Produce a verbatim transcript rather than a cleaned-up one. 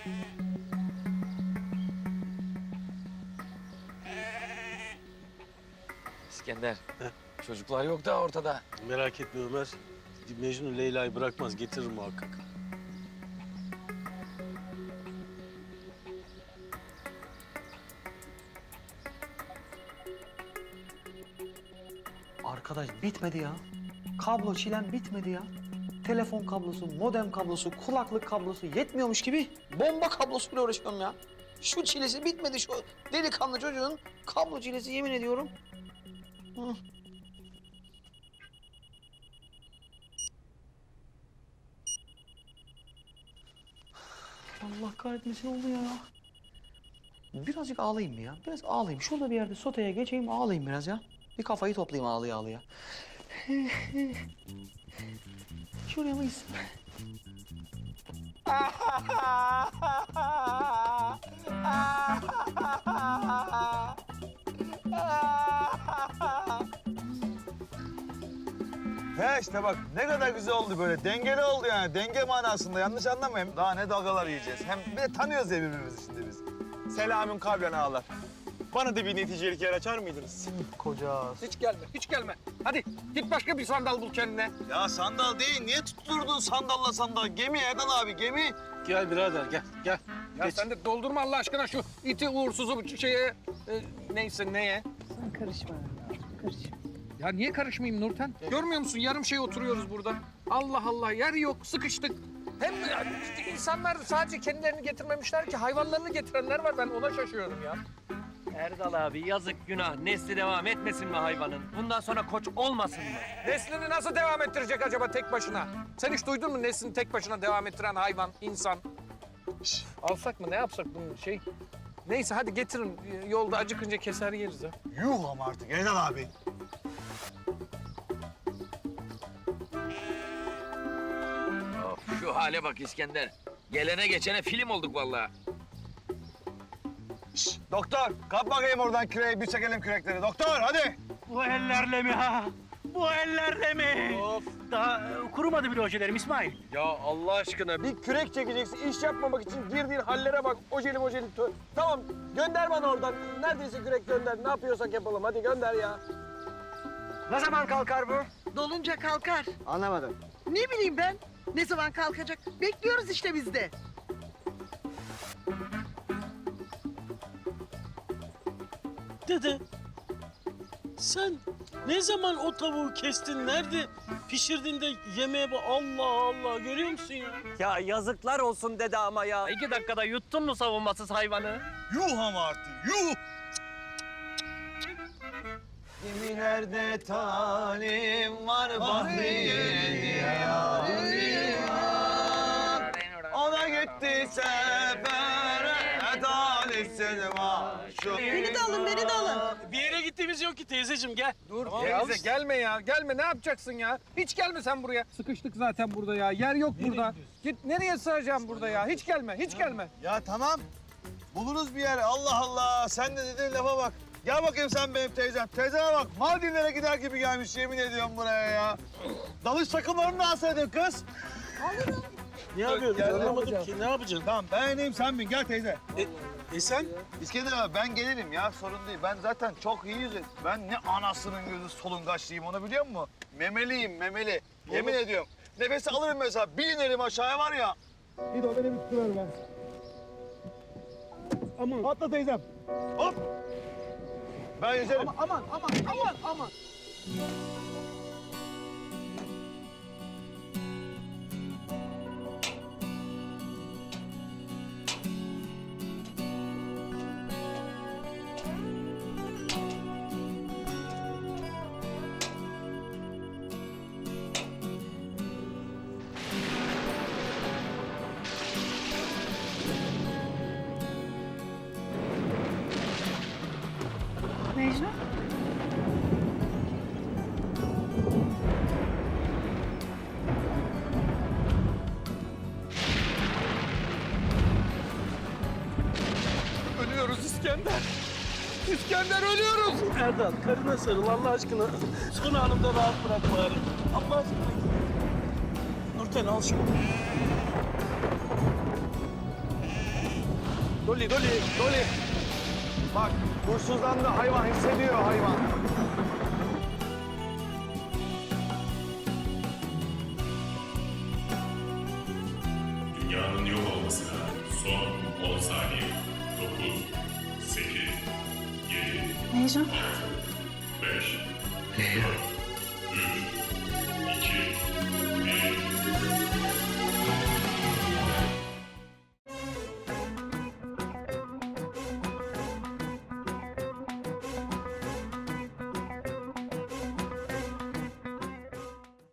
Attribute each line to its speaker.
Speaker 1: İskender, Heh. çocuklar yok da ortada.
Speaker 2: Merak etme Ömer. Mecnun Leyla'yı bırakmaz, getirir muhakkak.
Speaker 3: Arkadaş bitmedi ya. Kablo çilem bitmedi ya. Telefon kablosu, modem kablosu, kulaklık kablosu yetmiyormuş gibi bomba kablosuyla uğraşıyorum ya. Şu çilesi bitmedi şu delikanlı çocuğun kablo çilesi yemin ediyorum. Hı. Allah kahretmesin oldu ya. Birazcık ağlayayım mı ya? Biraz ağlayayım. Şurada bir yerde soteye geçeyim ağlayayım biraz ya. Bir kafayı toplayayım ağlıya ağlıya. Şuraya mıyız?
Speaker 4: He işte bak ne kadar güzel oldu böyle. Dengeli oldu yani. Denge manasında yanlış anlamayın. Daha ne dalgalar yiyeceğiz. Hem bir de tanıyoruz ya birbirimizi şimdi biz.
Speaker 5: Selamün kavlen ağalar. Bana da bir neticelik yer açar mıydınız?
Speaker 3: Koca.
Speaker 6: Hiç gelme, hiç gelme. Hadi git başka bir sandal bul kendine.
Speaker 4: Ya sandal değil. Niye tutturdun sandalla sandal? Gemi Erdal abi gemi.
Speaker 2: Gel birader, gel, gel.
Speaker 6: Ya
Speaker 2: Geç.
Speaker 6: sen de doldurma Allah aşkına şu iti uğursuzu bu şeye... E, neyse neye?
Speaker 7: Sen karışma ya, karışma.
Speaker 6: Ya niye karışmayayım Nurten? Görmüyor musun yarım şey oturuyoruz burada. Allah Allah yer yok sıkıştık. Hem işte insanlar sadece kendilerini getirmemişler ki hayvanlarını getirenler var ben ona şaşıyorum ya.
Speaker 1: Erdal abi yazık günah. Nesli devam etmesin mi hayvanın? Bundan sonra koç olmasın mı?
Speaker 6: Neslini nasıl devam ettirecek acaba tek başına? Sen hiç duydun mu neslini tek başına devam ettiren hayvan, insan? Şş, alsak mı ne yapsak bunu şey? Neyse hadi getirin yolda acıkınca keser yeriz ha.
Speaker 4: Yuh ama artık Erdal abi.
Speaker 1: Of, şu hale bak İskender. Gelene geçene film olduk vallahi.
Speaker 4: Şş, doktor kap bakayım oradan küreği. Bir çekelim kürekleri. Doktor hadi.
Speaker 8: Bu ellerle mi ha? Bu ellerle mi?
Speaker 6: Of.
Speaker 8: Daha e, kurumadı bile ojelerim İsmail.
Speaker 6: Ya Allah aşkına bir kürek çekeceksin, iş yapmamak için girdiğin hallere bak. Ojeli mojeli. tö- Tamam, gönder bana oradan. Neredeyse kürek gönder. Ne yapıyorsak yapalım. Hadi gönder ya.
Speaker 8: Ne zaman kalkar bu?
Speaker 7: Dolunca kalkar.
Speaker 4: Anlamadım.
Speaker 7: Ne bileyim ben, ne zaman kalkacak? Bekliyoruz işte biz de.
Speaker 2: Dede, sen ne zaman o tavuğu kestin, nerede pişirdin de yemeğe bak. Allah Allah, görüyor musun ya?
Speaker 1: Ya yazıklar olsun dede ama ya. İki dakikada yuttun mu savunmasız hayvanı?
Speaker 4: Yuh ama artık yuh. Gemilerde talim var, Bahriye yarim var. O da gitti sefere, talihsiz maşuk.
Speaker 7: Beni de alın, beni de alın.
Speaker 2: Bir yere gittiğimiz yok ki teyzeciğim, gel.
Speaker 6: Dur
Speaker 2: ya.
Speaker 6: teyze gelme ya. Gelme ne yapacaksın ya? Hiç gelme sen buraya. Sıkıştık zaten burada ya. Yer yok burada. Git nereye sığacağım burada ya? Hiç gelme, hiç gelme.
Speaker 4: Ya tamam, buluruz bir yer. Allah Allah, sen de dediğin lafa bak. Gel bakayım sen benim teyzem. Teyzeme bak, Maldivlere gider gibi gelmiş yemin ediyorum buraya ya. Dalış takımlarını da alsaydın kız.
Speaker 2: Ne yapıyoruz?
Speaker 4: Gel,
Speaker 2: Anlamadım ki, ne yapacaksın?
Speaker 4: Tamam, ben ineyim sen bin. Gel teyze.
Speaker 2: E, e sen?
Speaker 4: İskender abi ben gelirim ya, sorun değil. Ben zaten çok iyi yüzerim. Ben ne anasının gözü solungaçlıyım onu biliyor musun? Memeliyim, memeli. Yemin ediyorum. Nefesi alırım mesela, bir inerim aşağıya var ya. Bir de o beni bir tutuver ben.
Speaker 2: Aman.
Speaker 4: Atla teyzem. Hop. Ben yüzerim.
Speaker 7: Aman, aman, aman, aman. Mecnun?
Speaker 6: Ölüyoruz İskender. İskender ölüyoruz.
Speaker 2: Erdal, karına sarıl Allah aşkına. Son anımda rahat bırak bari. Allah aşkına. Nurten al şunu.
Speaker 6: Dolly, Dolly, Dolly.
Speaker 4: Bak huysuzlandı hayvan, hissediyor hayvan.
Speaker 9: Dünyanın yok olmasına son on saniye. dokuz, sekiz, yedi,
Speaker 10: Heyecan.
Speaker 9: beş, dört,